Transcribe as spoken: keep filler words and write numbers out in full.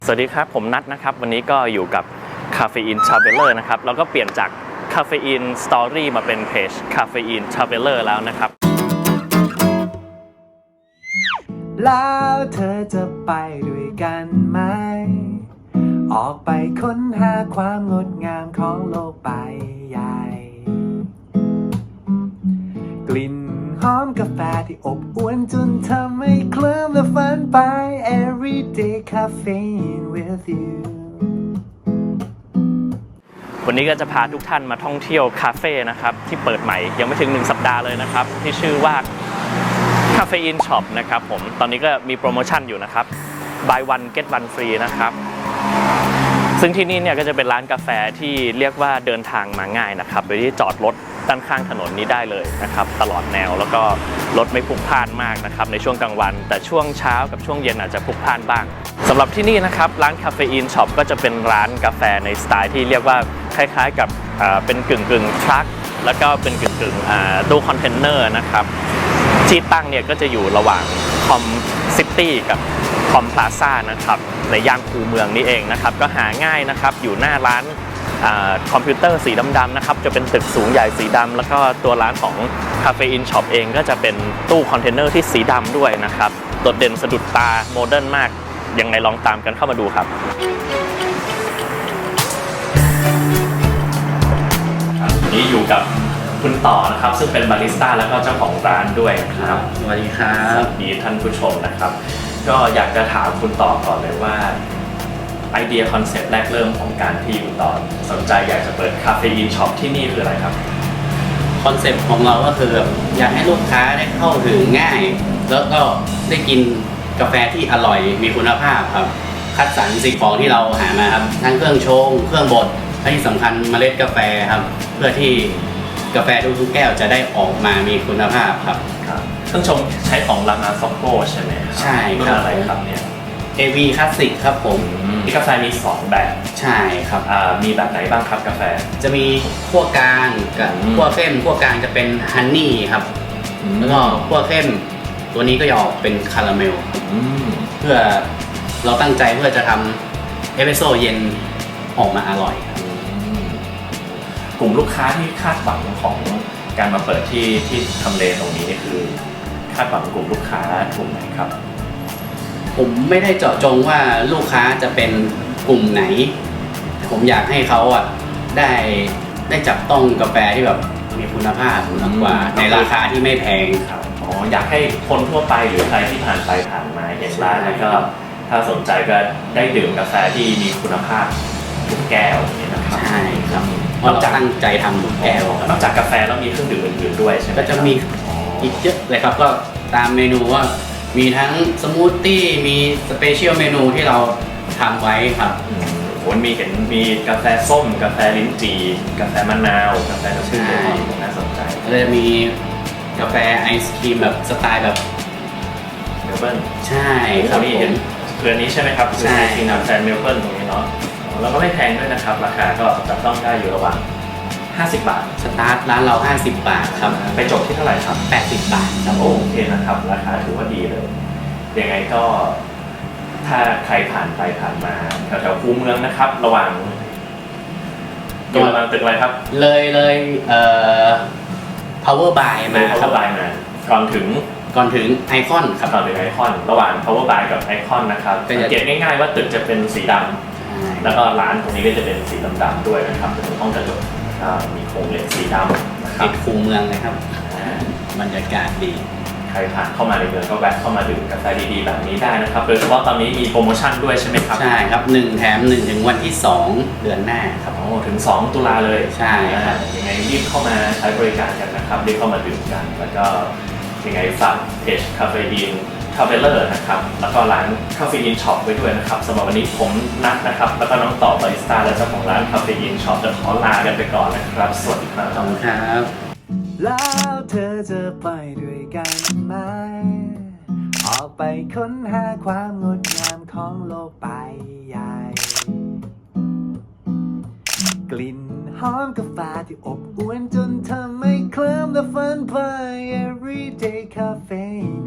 สวัสดีครับผมนัทนะครับวันนี้ก็อยู่กับ Caffeine Traveler นะครับแล้วก็เปลี่ยนจาก Caffeine Story มาเป็นเพจ Caffeine Traveler แล้วนะครับแล้วเธอจะไปด้วยกันไหมออกไปค้นหาความงดงามของโลกใบใหญ่กลิ่นหอมกาแฟที่อบอวลจนทำให้เคลิ้มและฝันไป Everyday Caffeine with you วันนี้ก็จะพาทุกท่านมาท่องเที่ยวคาเฟ่นะครับที่เปิดใหม่ยังไม่ถึงหนึ่งสัปดาห์เลยนะครับที่ชื่อว่า Caffeine Shop นะครับผมตอนนี้ก็มีโปรโมชั่นอยู่นะครับ buy one get one free นะครับซึ่งที่นี่เนี่ยก็จะเป็นร้านกาแฟที่เรียกว่าเดินทางมาง่ายนะครับโดยที่จอดรถด้านข้างถนนนี้ได้เลยนะครับตลอดแนวแล้วก็รถไม่พลุกพล่านมากนะครับในช่วงกลางวันแต่ช่วงเช้ากับช่วงเย็นอาจจะพลุกพล่านบ้างสำหรับที่นี่นะครับร้าน Caffeine Shop ก็จะเป็นร้านกาแฟในสไตล์ที่เรียกว่าคล้ายๆกับเป็นกึ่งกึ่งทรัคแล้วก็เป็นกึ่งกึ่งตู้คอนเทนเนอร์นะครับที่ตั้งเนี่ยก็จะอยู่ระหว่างคอมซิตี้กับคอมพลาซ่านะครับในย่านคูเมืองนี้เองนะครับก็หาง่ายนะครับอยู่หน้าร้านคอมพิวเตอร์สีดำๆนะครับจะเป็นตึกสูงใหญ่สีดำแล้วก็ตัวร้านของ Caffeine Shop เองก็จะเป็นตู้คอนเทนเนอร์ที่สีดำด้วยนะครับโดดเด่นสะดุดตาโมเดิร์นมากยังไงลองตามกันเข้ามาดูครับนี่อยู่กับคุณต่อนะครับซึ่งเป็นบาริสต้าแล้วก็เจ้าของร้านด้วยครับสวัสดีครับสวัสดีท่านผู้ชมนะครับก็อยากจะถามคุณต่อก่อนเลยว่าไอเดียคอนเซ็ปต์แรกเริ่มของการที่คุณต่อสนใจอยากจะเปิดคาเฟอีนช็อปที่นี่คืออะไรครับคอนเซ็ปต์ของเราก็คืออยากให้ลูกค้าได้เข้าถึงง่ายแล้วก็ได้กินกาแฟที่อร่อยมีคุณภาพครับคัดสรรสิ่งของที่เราหามาครับทั้งเครื่องชงเครื่องบดและที่สำคัญเมล็ดกาแฟครับเพื่อที่กาแฟทุกๆแก้วจะได้ออกมามีคุณภาพครับเครื่องชงใช้ของลานาซ็อกโกใช่ไหมครับใช่รุ่นอะไรครับเนี่ยเอ วี Classic ครับผมที่กาแฟมีสองแบบใช่ครับมีแบบไหนบ้างครับกาแฟจะมีขั้วกลางกับขั้วเข้มขั้วกลางจะเป็นฮันนี่ครับแล้วก็ขั้วเข้มตัวนี้ก็จะออกเป็นคาราเมลเพื่อเราตั้งใจเพื่อจะทำเอสเปรสโซ่เย็นออกมาอร่อยครับกลุ่มลูกค้าที่คาดหวังของการมาเปิดที่ที่ทำเลตรงนี้นี่คือคาดหวังกลุ่มลูกค้ากลุ่มไหนครับผมไม่ได้เจาะจงว่าลูกค้าจะเป็นกลุ่มไหนผมอยากให้เขาอ่ะได้ได้จับต้องกาแฟที่แบบมีคุณภาพมากกว่าในราคาที่ไม่แพงครับอ๋ออยากให้คนทั่วไปหรือใครที่ผ่านไปผ่านมาเห็นร้านแล้วก็ถ้าสนใจก็ได้ดื่มกาแฟที่มีคุณภาพทุกแก้วนี่นะครับใช่ครับเพราะเราตั้งใจทำทุกแก้วนอกจากกาแฟแล้วมีเครื่องดื่มอื่นๆด้วยใช่ไหมก็จะมีอีกเยอะเลยครับก็ตามเมนูว่ามีทั้งสมูทตี้มีสเปเชียลเมนูที่เราทำไว้ครับผมมีเห็นมีกาแฟส้มกาแฟลิ้นจี่กาแฟมะนาวกาแฟน้ำผึ้งน่าสนใจแล้วจะมีกาแฟไอศครีมแบบสไตล์แบบเมลเบิร์นใช่ครับนี่เห็นเรือนี้ใช่ไหมครับใช่ที่นำแฟนเมลเบิร์นตรงนี้เนาะแล้วก็ไม่แพงด้วยนะครับราคาก็จับต้องได้อยู่ระหว่างห้าสิบบาทสตาร์ทร้านเราห้าสิบบาทครับไปจบที่เท่าไหร่ครับแปดสิบบาทครับโอเคนะครับราคาถือว่าดีเลยยังไงก็ถ้าใครผ่านไปผ่านมาแถวๆคูเมืองนะครับระหว่างอยู่ระหว่างตึกอะไรครับเลยเลยเอ่อ power by มาครับ power by มาก่อนถึงก่อนถึงไอคอนครับก่อนถึงไอคอนระหว่าง power by กับไอคอนนะครับสังเกตง่ายๆว่าตึกจะเป็นสีดำแล้วก็ร้านตรงนี้ก็จะเป็นสีดำๆด้วยนะครับเป็นห้องกระจกมีโครงเหล็กสีดำนะครับติดคูเมืองเลยครับบรรยากาศดีใครผ่านเข้ามาในเมืองก็แวะเข้ามาดื่มกาแฟดีๆแบบนี้ได้นะครับโดยเฉพาะตอนนี้มีโปรโมชั่นด้วยใช่ไหมครับใช่ครับหนึ่งแถมหนึ่งถึงวันที่สองเดือนหน้าครับโอ้ถึงสองตุลาเลยใช่ครับยังไงรีบเข้ามาใช้บริการกันนะครับรีบเข้ามาดื่มกันแล้วก็ยังไงฝากเพจ Caffeine Traveler นะครับแล้วก็ร้าน Caffeine Shop ไว้ด้วยนะครับสำหรับวันนี้ผมนัทนะครับแล้วก็น้องต่อบาริสต้าและเจ้าของร้าน Caffeine Shop จะขอลากันไปก่อนนะครับสวัสดีครับขอบคุณครับแล้วเธอจะไปด้วยกันไหมออกไปค้นหาความงดงามของโลกใบใหญ่กลิ่นหอมกาแฟที่อบอวลจนทำให้เคลิ้มและฝันไป Everyday Caffeine